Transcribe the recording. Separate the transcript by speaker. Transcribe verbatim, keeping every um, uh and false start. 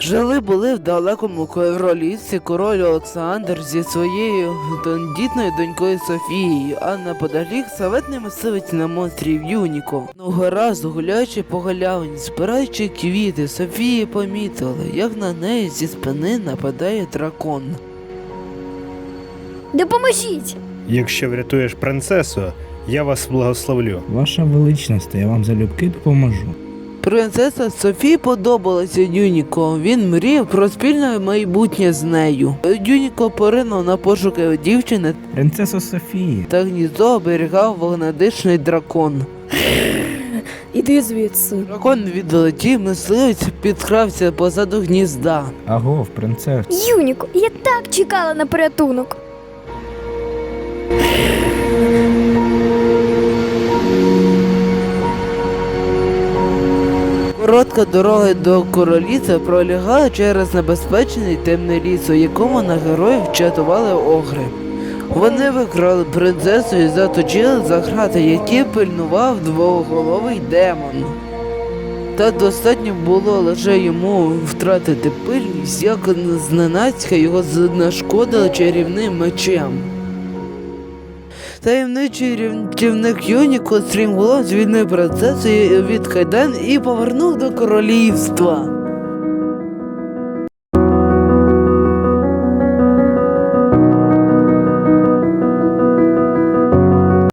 Speaker 1: Жили були в далекому королівстві король Олександр зі своєю тендітною донькою Софією, а неподалік славетний мисливець на монстрів Юніко. Одного разу, гуляючи по галявині, збираючи квіти, Софії помітили, як на неї зі спини нападає дракон.
Speaker 2: Допоможіть!
Speaker 3: Якщо врятуєш принцесу, я вас благословлю.
Speaker 4: Ваша величність, я вам залюбки допоможу.
Speaker 1: Принцеса Софії подобалася Юніко, він мріяв про спільне майбутнє з нею. Юніко поринув на пошуки дівчини,
Speaker 4: Принцесо Софії,
Speaker 1: та гніздо оберігав вогнедишний дракон.
Speaker 2: Іди звідси.
Speaker 1: Дракон відлетів, мисливець підкрався позаду гнізда.
Speaker 4: агов, принцесо.
Speaker 2: Юніко, я так чекала на порятунок.
Speaker 1: Коротка дорога до королівства пролягала через небезпечний темний ліс, у якому на героїв чатували огри. Вони викрали принцесу і заточили за грати, які пильнував двоголовий демон. Та достатньо було лише йому втратити пильність, як зненацька його знешкодили чарівним мечем. Таємничий рятівник Юніко стрімголов звільнив принцесу від кайдан і повернув до королівства.